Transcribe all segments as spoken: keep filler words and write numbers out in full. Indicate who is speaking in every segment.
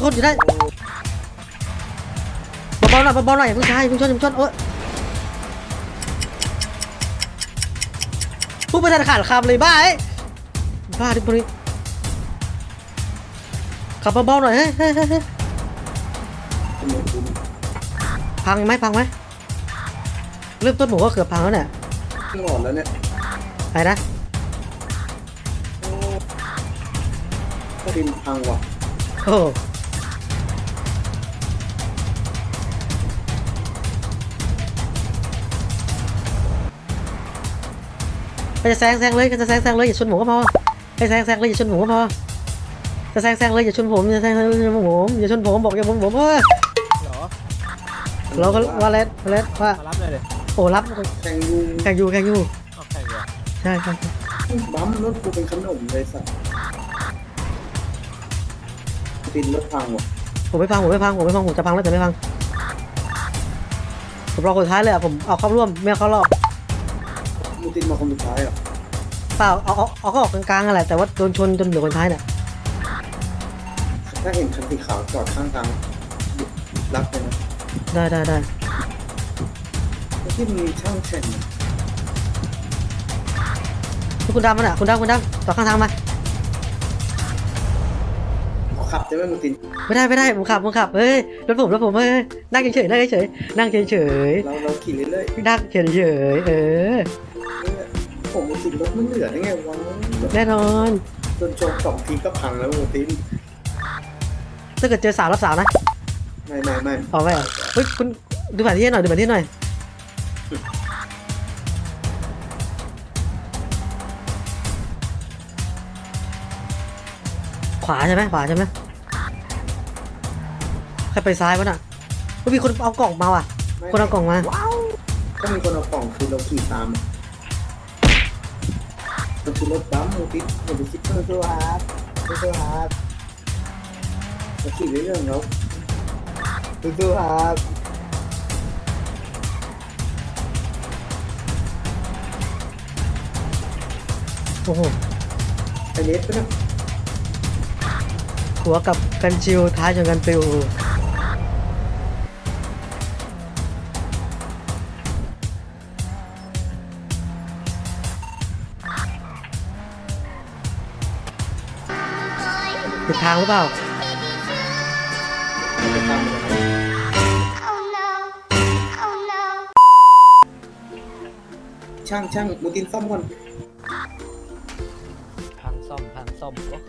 Speaker 1: นอยู่ได้เบาๆหน่อยเบาๆหน่อยอย่าเพิ่งใช้อย่าเพิ่งชนอย่าเพิ่งชนเออพูดไม่ทันขาดคำเลยบ้าไอ้บ้าดิบริขับเบาๆหน่อยเฮ้ยเฮ้ยเฮ้ยพังไหมพังไหมเริ่มต้นหมูก็เกือบพังแล้วเนี่ย
Speaker 2: หมดแล้วเนี่ย
Speaker 1: ไปนะ
Speaker 2: ก็ดินพังว่ะ
Speaker 1: โอ้จะแซงแซงเลยจะแซงแซงเลยอย่าชนหมูก็พอให้แซงแซงเลยอย่าชนหมูก็พอจะแซงแซงเลยอย่าชนผมอย่าแซงเลยอย่าชนผมอย่าชนผมบอกอย่าชนผมเออเราก็ว่าเล็ดว่าเล็ดว่า
Speaker 3: รับเลยเลย
Speaker 1: โอ้รับ
Speaker 2: แข่งยู
Speaker 1: แข่งยูแข่งยู
Speaker 3: แข่งยู
Speaker 1: ใช่ใช่
Speaker 2: บัมรถกูเป็นขนมเลยสัตว์ดินรถพังว่ะ
Speaker 1: ผมไม่พังผมไม่พังผมไม่พังผมจะพังแล้วแต่ไม่พังผมรอคนท้ายเลยอ่ะผมเอาเข้าร่วมไม่เอาเข้ารอบ
Speaker 2: มูตินมาคนสุดท้ายอ่ะ
Speaker 1: เปล่าเอาเอาเอาเข้าออกกลางๆอะไรแต่ว่าโดนชนจนเหลือคนท้ายเนี่ย
Speaker 2: ถ้าเห็นคันสีขาวจอดข้างทางรับเลยนะ
Speaker 1: ได้ได้ได้
Speaker 2: ที่มีช่างแข่ง
Speaker 1: คุณดำมันอ่ะคุณดำคุณดำต่อข้างทางมา
Speaker 2: ขับได้ไหมมูติน
Speaker 1: ไม่ได้ไม่ได้ผมขับผมขับเฮ้ยรถผมรถผมเฮ้ยนั่งเฉยๆนั่งเฉยๆนั่งเฉย
Speaker 2: ๆเราเราขี่เรื่อย
Speaker 1: ๆนั่งเฉยๆเออ
Speaker 2: ผมมูตินรถมันเหลือได้ไงวะ
Speaker 1: แน่นอน
Speaker 2: โดนโจมสองทีก็พังแล้วมูติน
Speaker 1: ถ้าเกิดเจอสาวรับสาวนะ
Speaker 2: ไม่ไม่ไม่
Speaker 1: เอาไม่เฮ้ยคุณดูแผนที่หน่อยดูแผนที่หน่อยขวาใช่ไหมขวาใช่ไหมใครไปซ้ายวะน่ะก็มีคนเอากล่องมาว่ะคนเอากล่องมา
Speaker 2: ก็มีคนเอากล่องคือเราขี่ตามมันคือรถบัมมูตินอย่าไปคิดเพิ่มตัวฮาร์ดตัวฮาร์ดเราขี่เรื่อยๆแล้วตัวฮาร์ด
Speaker 1: โอ้โห
Speaker 2: ไอเน็ตปะเนี่ย
Speaker 1: หัวกับกันชิวท้ายจนกันปิวผิดทางหรือเปล่า
Speaker 2: ช่างช่างมูตินซ่อมก่อน
Speaker 3: พังซ่อมพังซ่อมก็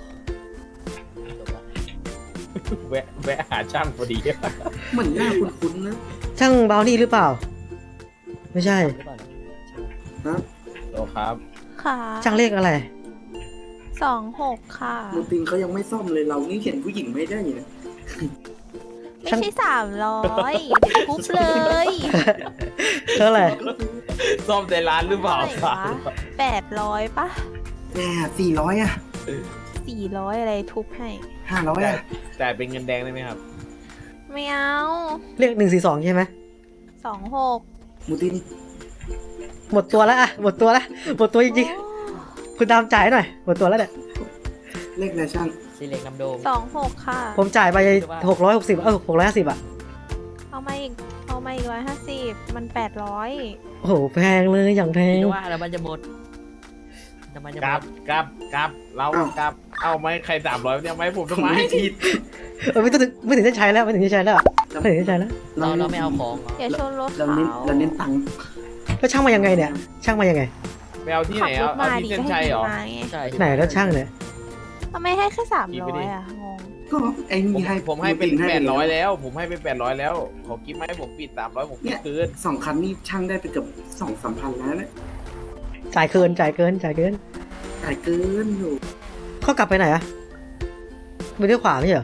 Speaker 3: แวะแวะหาช่างพอดี
Speaker 2: เหมือนหน้าคุ้นๆนะ
Speaker 1: ช่างเบานี่หรือเปล่าไม่ใช่
Speaker 2: ฮะ
Speaker 3: โอ้ครับ
Speaker 4: ค่ะ
Speaker 1: ช่างเลขอะไร
Speaker 4: สองหกค่ะ
Speaker 2: มูตินเขายังไม่ซ่อมเลยเรานี่เห็นผู้หญิงไม่ได้เลย
Speaker 4: ไม่ใช่สามร้อยเดี๋ยวทุบเลย
Speaker 1: เท่าไหร่
Speaker 3: ซ่อมในร้านหรือเปล่าครับ
Speaker 4: แปดร้อยปะ
Speaker 2: แหมสี่ร้อยอ่ะ
Speaker 4: สี่ร้อยอะไรทุบให้
Speaker 2: ห้าร้อยอ่ะ
Speaker 3: แต่เป็นเงินแดงได้ไหมครับ
Speaker 4: ไม่เอา
Speaker 1: เลขหนึ่งสี่สองใช่ไหม
Speaker 4: สองหก
Speaker 2: มูติน
Speaker 1: หมดตัวแล้วอะหมดตัวแล้วหมดตัวจริงๆคุณตามจ่ายหน่อยหมดตัวแล้วเนี่ย
Speaker 2: เลขอะไรช่าง
Speaker 3: สีเหล็กน้ำโดม
Speaker 4: สองหกค่ะ
Speaker 1: ผมจ่ายไปหกร้อยหกสิบเออหกร้อยห้าสิบอะ
Speaker 4: เอามาอีกเอามาอีกร้อยห้าสิบมันแปดร้อย
Speaker 1: โอ้โหแพงเลยอย่างแพง
Speaker 3: ว่าแล้วมันจะหมดกลับกลับกลับเรากลับเอาไหมใครสามร้อยเนี่ยไหมผมทำไมผิด
Speaker 1: เออไม่ต้องไม่ถึงจะใช้แล้วไม่ถึงจะใช้แล้วไม่ถึงจะใช้แล้ว
Speaker 3: เราเราไม่เอาของ
Speaker 4: อย่าชนรถ
Speaker 2: เราเน้นเราเน้นตังค์
Speaker 1: แล้วช่างมายังไงเนี่ยช่างมายังไง
Speaker 3: ไปเอาที่ไหนเอาเอาที่เส้นชัยเหรอ
Speaker 1: ใช่ไหนแล้วช่างเนี่ย
Speaker 4: ทำไมให้แค่สามร้อยอ่ะงง
Speaker 2: ก็ไอ้นี่ให้
Speaker 3: ผมให้เป็นแปดร้อยแล้วผมให้เป็นแปดร้อยแล้วขอกิ๊บไหมผมปิดสามร้อยผมปิดคืน
Speaker 2: สองคันนี่ช่างได้ไปเกือบสองสามพันแล้วเนี่ย
Speaker 1: จ่ายเกินจ่ายเกินจ่ายเกิน
Speaker 2: จ่ายเกินอยู่
Speaker 1: เขากลับไปไหนอะไปเลี้ยวขวาไม่ใช่เหรอ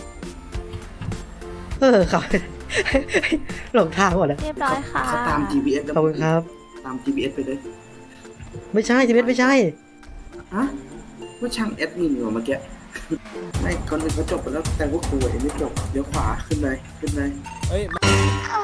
Speaker 1: เออขับหลงทางหมดเลย
Speaker 4: เรียบร้อยค่ะ
Speaker 2: เขาตาม จี พี เอส
Speaker 1: ขอบคุณครับ
Speaker 2: ตาม จี พี เอส ไปเลย
Speaker 1: ไม่ใช่ จี พี เอส ไม่ใช่
Speaker 2: ฮะว่าช่างแอดมินอยู่เมื่อกี้ไม่คนอื่นเขาจบไปแล้วแต่ว่ากูเองไม่จบเดี๋ยวขวาขึ้นเลยขึ้นเลย
Speaker 3: เฮ้ย